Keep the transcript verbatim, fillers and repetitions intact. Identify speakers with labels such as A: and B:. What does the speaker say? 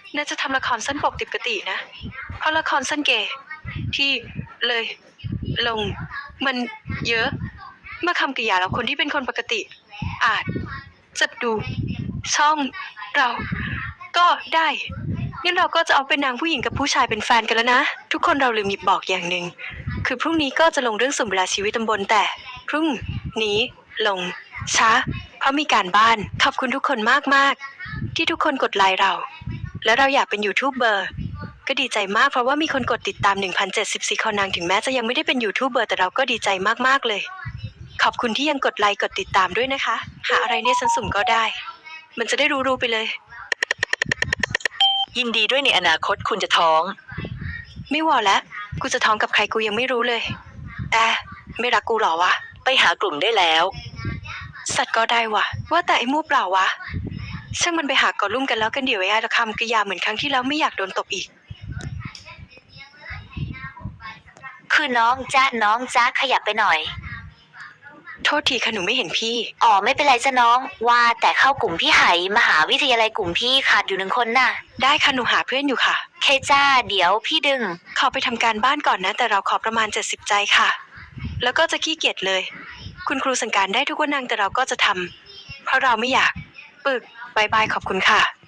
A: น่าจะทำละครสั้นปกติปกตินะเพราะละครสั้นเกย์ที่เลยลงมันเยอะเมื่อคำกริยาแล้วคนที่เป็นคนปกติอาจจะดูช่องเราก็ได้งั้นเราก็จะเอาเป็นนางผู้หญิงกับผู้ชายเป็นแฟนกันแล้วนะทุกคนเราลืมหยิบบอกอย่างหนึ่งคือพรุ่งนี้ก็จะลงเรื่องสุ่มเวลาชีวิตตำบลแต่พรุ่งนี้ลงช้าเพราะมีการบ้านขอบคุณทุกคนมากๆที่ทุกคนกดไลค์เราและเราอยากเป็นยูทูบเบอร์ก็ดีใจมากเพราะว่ามีคนกดติดตาม หนึ่งพันเจ็ดสิบสี่ คนนางถึงแม้จะยังไม่ได้เป็นยูทูบเบอร์แต่เราก็ดีใจมากๆเลยขอบคุณที่ยังกดไลค์กดติดตามด้วยนะคะหาอะไรเนี่ยฉันสุ่มก็ได้มันจะได้รู้ๆไปเลย
B: ยินดีด้วยในอนาคตคุณจะท้อง
A: ไม่วอแล้วกูจะท้องกับใครกูยังไม่รู้เลยแอะไม่รักกูหรอวะ
B: ไปหากลุ่มได้แล้ว
A: สัตว์ก็ได้วะว่าแต่ไอ้มูเปล่าวะช่างมันไปหากอลุ่มกันแล้วกันเดี๋ยวไอ้ละคำกริยาเหมือนครั้งที่แล้วไม่อยากโดนตบอีก
C: คือน้องจ้าน้องจ้าขยับไปหน่อย
A: โทษทีค่ะหนูไม่เห็นพี่
C: อ๋อไม่เป็นไรจ้ะน้องว่าแต่เข้ากลุ่มพี่ไหมหาวิทยาลัยกลุ่มพี่ขาดอยู่หนึ่งคนน่ะ
A: ได้ค่ะหนูหาเพื่อนอยู่ค่ะ
C: เคจ้าเดี๋ยวพี่ดึง
A: ขอไปทำการบ้านก่อนนะแต่เราขอประมาณเจ็ดสิบใจค่ะแล้วก็จะขี้เกียจเลยคุณครูสั่งการได้ทุกวันนางแต่เราก็จะทำเพราะเราไม่อยากปึกบายบายขอบคุณค่ะ